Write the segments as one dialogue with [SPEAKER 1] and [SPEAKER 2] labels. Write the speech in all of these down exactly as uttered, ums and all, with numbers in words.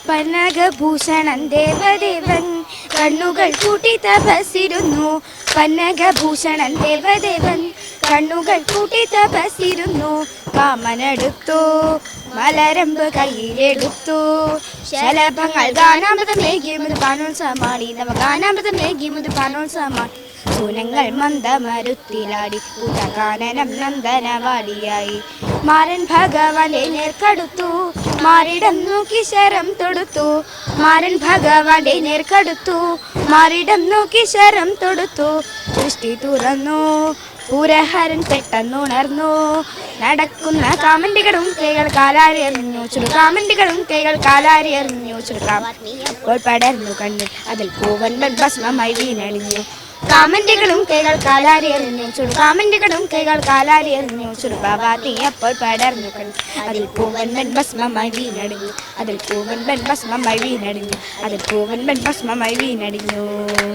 [SPEAKER 1] പന്നകഭൂഷണൻ ദേവദേവൻ കണ്ണുകൾ കൂട്ടി തപസിരുന്നു. പന്നകഭൂഷണൻ ദേവദേവൻ കണ്ണുകൾ കൂട്ടി തപസിരുന്നു. കാമനെടുത്തു മലരമ്പ് കയ്യിലെടുത്തു. ശലഭങ്ങൾ ഗാനാമൃതമേകി മുതുപാനോത്സവമാടി. നവ ഗാനാമൃതമേകി മുതുപാനോത്സവമാടി. സൂനങ്ങൾ മന്ദമരുത്തിലാടി പൂതകാനനം നന്ദനവാടിയായി. മാരൻ ഭഗവാന്റെ നേർക്കടുത്തു മാറിടം നോക്കി ശരം തൊടുത്തു. മാരൻ ഭഗവാന്റെ നേർക്കടുത്തു മാറിടം നോക്കി ശരം തൊടുത്തു. ദൃഷ്ടി തുറന്നു പൂരഹരൻ പെട്ടെന്നുണർന്നു. നടക്കുന്ന കാമന്റികളും കൈകൾ കാലാരി എറിഞ്ഞു. ചുടു കാമന്റികളും കൈകൾ കാലാരി എറിഞ്ഞു. ചുടുകാം അപ്പോൾ പടർന്നു കണ്ണിൽ അതിൽ പൂവൻ ഭസ്മമായി വീണണിഞ്ഞു. കാമന്റികളും കൈകൾ കാലാരി എറിഞ്ഞു. ചുടു കാമന്റികളും കൈകൾ കാലാരി എറിഞ്ഞു. ചുടുപാവാത്തി അപ്പോൾ പടർന്നു കണ്ണിൽ അതിൽ പൂവൻ ഭസ്മമായി വീണടിഞ്ഞു. അതിൽ പൂവൻ ഭസ്മമായി വീണടിഞ്ഞു. അതിൽ പൂവൻ ഭസ്മമായി വീണടിഞ്ഞു.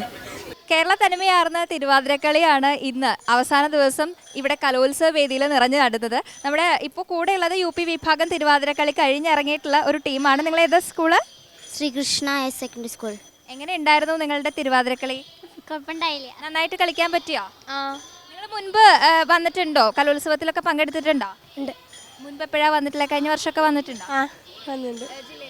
[SPEAKER 2] കേരള തനിമയാർന്ന തിരുവാതിരക്കളിയാണ് ഇന്ന് അവസാന ദിവസം ഇവിടെ കലോത്സവ വേദിയിൽ നിറഞ്ഞു നടന്നത്. നമ്മുടെ ഇപ്പോൾ കൂടെയുള്ളത് യു പി വിഭാഗം തിരുവാതിരക്കളി കഴിഞ്ഞിറങ്ങിയിട്ടുള്ള ഒരു ടീമാണ്. നിങ്ങൾ ഏതാ school?
[SPEAKER 3] Sreekrishna higher secondary school.
[SPEAKER 2] എങ്ങനെ ഉണ്ടായിരുന്നു നിങ്ങളുടെ തിരുവാതിരക്കളി?
[SPEAKER 3] കുഴപ്പമുണ്ടായില്ല.
[SPEAKER 2] നന്നായിട്ട് കളിക്കാൻ പറ്റിയോ?
[SPEAKER 3] ആ
[SPEAKER 2] നിങ്ങൾ മുൻപ് വന്നിട്ടുണ്ടോ? കലോത്സവത്തിലൊക്കെ പങ്കെടുത്തിട്ടുണ്ടോ?
[SPEAKER 3] ഉണ്ട്.
[SPEAKER 2] മുൻപ് എപ്പോഴാണ് വന്നിട്ടില്ല? കഴിഞ്ഞ വർഷമൊക്കെ വന്നിട്ടുണ്ടോ?
[SPEAKER 3] ആ വന്നിട്ടുണ്ട്.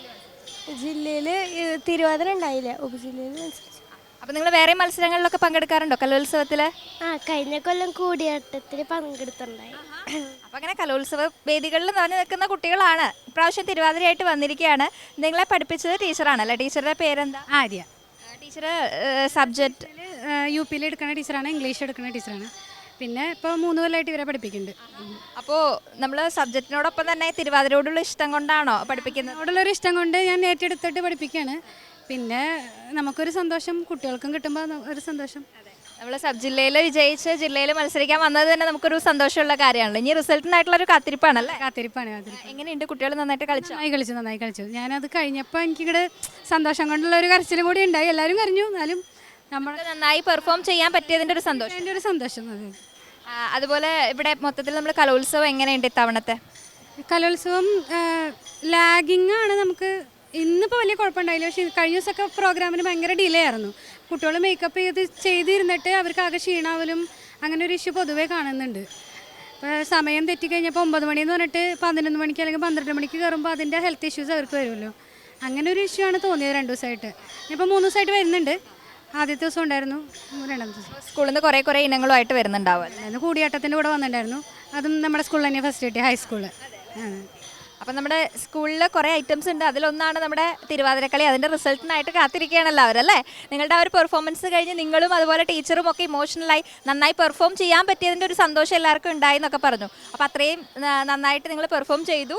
[SPEAKER 3] ജില്ലയിൽ തിരുവാതിര ഉണ്ടായില്ല, ഉപജില്ലയിൽ.
[SPEAKER 2] അപ്പോൾ നിങ്ങൾ വേറെ മത്സരങ്ങളിലൊക്കെ പങ്കെടുക്കാറുണ്ടോ കലോത്സവത്തിൽ?
[SPEAKER 3] ആ കഴിഞ്ഞ കൊല്ലം കൂടിയാട്ടത്തിൽ പങ്കെടുത്തിട്ടുണ്ടായി.
[SPEAKER 2] അപ്പോൾ അങ്ങനെ കലോത്സവ വേദികളിൽ നിറഞ്ഞു നിൽക്കുന്ന കുട്ടികളാണ്. ഇപ്രാവശ്യം തിരുവാതിരയായിട്ട് വന്നിരിക്കുകയാണ്. നിങ്ങളെ പഠിപ്പിച്ചത് ടീച്ചറാണല്ലേ? ടീച്ചറുടെ പേരെന്താ?
[SPEAKER 4] ആര്യ.
[SPEAKER 2] ടീച്ചർ സബ്ജക്റ്റ്
[SPEAKER 4] യു പിയിൽ എടുക്കുന്ന ടീച്ചറാണ്, ഇംഗ്ലീഷ് എടുക്കുന്ന ടീച്ചറാണ്. പിന്നെ ഇപ്പോൾ മൂന്ന് കൊല്ലമായിട്ട് ഇവരെ പഠിപ്പിക്കുന്നുണ്ട്.
[SPEAKER 2] അപ്പോൾ നമ്മൾ സബ്ജക്റ്റിനോടൊപ്പം തന്നെ തിരുവാതിരയോടുള്ള ഇഷ്ടം കൊണ്ടാണോ പഠിപ്പിക്കുന്നത്?
[SPEAKER 4] അതിനോടുള്ളൊരു ഇഷ്ടം കൊണ്ട് ഞാൻ ഏറ്റെടുത്തിട്ട് പഠിപ്പിക്കുകയാണ്. പിന്നെ നമുക്കൊരു സന്തോഷം, കുട്ടികൾക്കും കിട്ടുമ്പോൾ ഒരു സന്തോഷം.
[SPEAKER 2] നമ്മൾ സബ് ജില്ലയിൽ വിജയിച്ച് ജില്ലയിൽ മത്സരിക്കാൻ വന്നത് തന്നെ നമുക്കൊരു സന്തോഷമുള്ള കാര്യമാണല്ലോ. ഇനി റിസൾട്ടിനായിട്ടുള്ള ഒരു കാത്തിരിപ്പാണല്ലേ?
[SPEAKER 4] കാത്തിരിപ്പാണ് കാത്തിരിപ്പ്.
[SPEAKER 2] എങ്ങനെയുണ്ട് കുട്ടികൾ? നന്നായിട്ട് കളിച്ചു?
[SPEAKER 4] നന്നായി കളിച്ചു നന്നായി കളിച്ചു. ഞാനത് കഴിഞ്ഞപ്പോൾ എനിക്കിവിടെ സന്തോഷം കൊണ്ടുള്ള ഒരു കരച്ചിലും കൂടി ഉണ്ടായി. എല്ലാവരും കരഞ്ഞു, എന്നാലും നമ്മൾ
[SPEAKER 2] നന്നായി പെർഫോം ചെയ്യാൻ പറ്റിയതിൻ്റെ ഒരു സന്തോഷം.
[SPEAKER 4] എൻ്റെ ഒരു സന്തോഷം. അതെ.
[SPEAKER 2] അതുപോലെ ഇവിടെ മൊത്തത്തിൽ നമ്മൾ കലോത്സവം എങ്ങനെയുണ്ട് ഇത്തവണത്തെ?
[SPEAKER 4] കലോത്സവം ലാഗിങ് ആണ്. നമുക്ക് ഇന്നിപ്പോൾ വലിയ കുഴപ്പമുണ്ടായില്ല. പക്ഷേ കഴിഞ്ഞ ദിവസമൊക്കെ പ്രോഗ്രാമിന് ഭയങ്കര ഡിലേ ആയിരുന്നു. കുട്ടികൾ മേക്കപ്പ് ചെയ്ത് ചെയ്തിരുന്നിട്ട് അവർക്ക് ആകെ ക്ഷീണാവലും അങ്ങനെ ഒരു ഇഷ്യൂ പൊതുവേ കാണുന്നുണ്ട്. ഇപ്പോൾ സമയം തെറ്റിക്കഴിഞ്ഞപ്പോൾ ഒമ്പത് മണിയെന്ന് പറഞ്ഞിട്ട് പതിനൊന്ന് മണിക്ക് അല്ലെങ്കിൽ പന്ത്രണ്ട് മണിക്ക് കയറുമ്പോൾ അതിൻ്റെ ഹെൽത്ത് ഇഷ്യൂസ് അവർക്ക് വരുമല്ലോ. അങ്ങനെ ഒരു ഇഷ്യൂ ആണ് തോന്നിയത് രണ്ട് ദിവസമായിട്ട്. ഇപ്പോൾ മൂന്ന് ദിവസമായിട്ട് വരുന്നുണ്ട്. ആദ്യത്തെ ദിവസം ഉണ്ടായിരുന്നു, രണ്ടാമത്തെ ദിവസം
[SPEAKER 2] സ്കൂളിൽ നിന്ന് കുറേ കുറേ ഇനങ്ങളുമായിട്ട് വരുന്നുണ്ടാവും.
[SPEAKER 4] അന്ന് കൂടിയാട്ടത്തിൻ്റെ കൂടെ വന്നിട്ടുണ്ടായിരുന്നു. അതും നമ്മുടെ സ്കൂളിൽ തന്നെ ഫസ്റ്റ് കിട്ടിയ ഹൈസ്കൂള്.
[SPEAKER 2] അപ്പം നമ്മുടെ സ്കൂളിൽ കുറേ ഐറ്റംസ് ഉണ്ട്. അതിലൊന്നാണ് നമ്മുടെ തിരുവാതിരക്കളി. അതിൻ്റെ റിസൾട്ടിനായിട്ട് കാത്തിരിക്കുകയാണല്ലോ അവരല്ലേ? നിങ്ങളുടെ ആ ഒരു പെർഫോമൻസ് കഴിഞ്ഞ് നിങ്ങളും അതുപോലെ ടീച്ചറും ഒക്കെ ഇമോഷണലായി നന്നായി പെർഫോം ചെയ്യാൻ പറ്റിയതിൻ്റെ ഒരു സന്തോഷം എല്ലാവർക്കും ഉണ്ടായി എന്നൊക്കെ പറഞ്ഞു. അപ്പോൾ അത്രയും നന്നായിട്ട് നിങ്ങൾ പെർഫോം ചെയ്തു.